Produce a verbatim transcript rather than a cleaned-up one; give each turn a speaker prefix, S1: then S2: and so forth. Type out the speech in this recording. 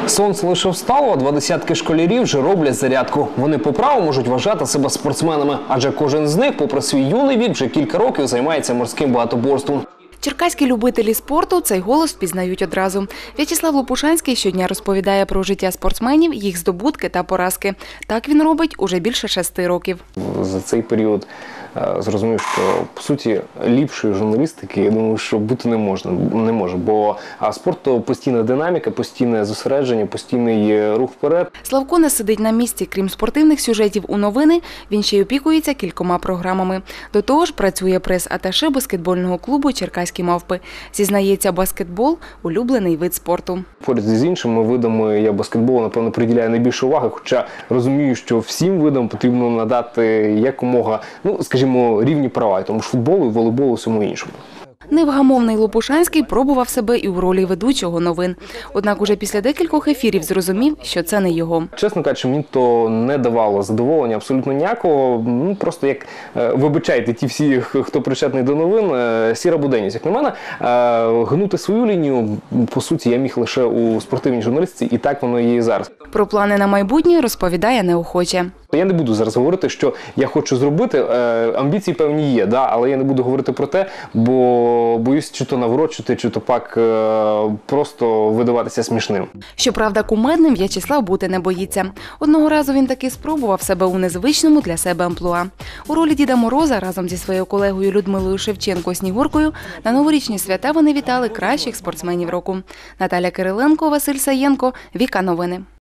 S1: Сонце лише встало, а два десятки школярів вже роблять зарядку. Вони по праву можуть вважати себе спортсменами, адже кожен з них, попри свій юний вік, вже кілька років займається морським багатоборством.
S2: Черкаські любителі спорту цей голос впізнають одразу. В'ячеслав Лопушанський щодня розповідає про життя спортсменів, їх здобутки та поразки. Так він робить уже більше шести років.
S1: За цей період зрозумів, що, по суті, ліпшої журналістики, я думаю, що бути не можна, не може. Бо спорт – то постійна динаміка, постійне зосередження, постійний рух вперед.
S2: Славко не сидить на місці. Крім спортивних сюжетів у новини, він ще й опікується кількома програмами. До того ж, працює прес-аташе баскетбольного клубу «Черкаські мавпи». Зізнається, баскетбол – улюблений вид спорту.
S1: Поряд з іншими видами я баскетболу, напевно, приділяю найбільше уваги, хоча розумію, що всім видам потрібно надати якомога, ну, скажімо, рівні права, тому ж футболу, і волейболу, всьому іншому.
S2: Невгамовний Лопушанський пробував себе і у ролі ведучого новин. Однак уже після декількох ефірів зрозумів, що це не його.
S1: Чесно кажучи, мені то не давало задоволення абсолютно ніякого. Ну, просто як, вибачайте, ті всі, хто причетний до новин, сіра буденність. Як на мене, гнути свою лінію, по суті, я міг лише у спортивній журналістиці, і так воно є і зараз.
S2: Про плани на майбутнє розповідає неохоче.
S1: Я не буду зараз говорити, що я хочу зробити. Амбіції певні є, да, але я не буду говорити про те, бо боюсь чи то наврочити, чи то пак просто видаватися смішним.
S2: Щоправда, кумедним В'ячеслав бути не боїться. Одного разу він таки спробував себе у незвичному для себе амплуа. У ролі Діда Мороза разом зі своєю колегою Людмилою Шевченко-Снігуркою на новорічні свята вони вітали кращих спортсменів року. Наталя Кириленко, Василь Саєнко, Віка Новини.